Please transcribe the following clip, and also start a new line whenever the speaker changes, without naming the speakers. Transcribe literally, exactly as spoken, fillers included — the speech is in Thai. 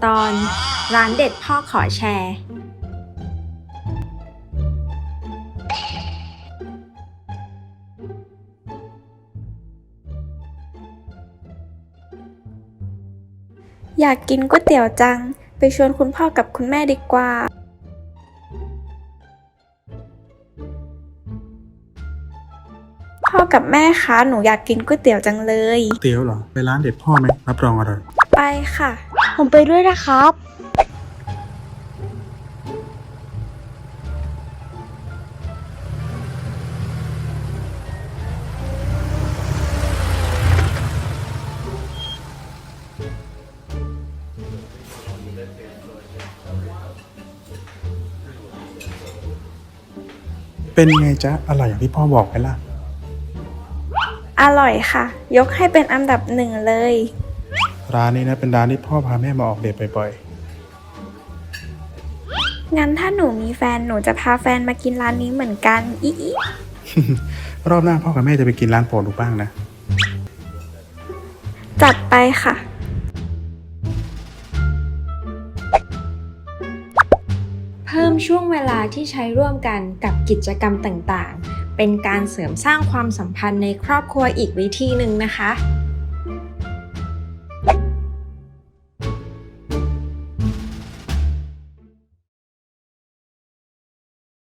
ตอนร้านเด็ดพ่อขอแชร์
อยากกินก๋วยเตี๋ยวจังไปชวนคุณพ่อกับคุณแม่ดีกว่าพ่อกับแม่คะหนูอยากกินก๋วยเตี๋ยวจังเลย
เตี๋ยวเหรอไปร้านเด็ดพ่อไหมรับรองอร่อย
ไปค่ะ
ผมไปด้วยนะครับ
เป็นไงจ๊ะอร่อยอย่างที่พ่อบอกไหมล่ะ
อร่อยค่ะยกให้เป็นอันดับหนึ่งเลย
ร้านนี้นะเป็นร้านที่พ่อพาแม่มาออกเดทบ่อย
งั้นถ้าหนูมีแฟนหนูจะพาแฟนมากินร้านนี้เหมือนกันอีอี
ๆ รอบหน้าพ่อกับแม่จะไปกินร้านโปรดหนูบ้างนะ
จัดไปค่ะ
เพิ่มช่วงเวลาที่ใช้ร่วมกันกับกิจกรรมต่างๆเป็นการเสริมสร้างความสัมพันธ์ในครอบครัวอีกวิธีหนึ่งนะคะ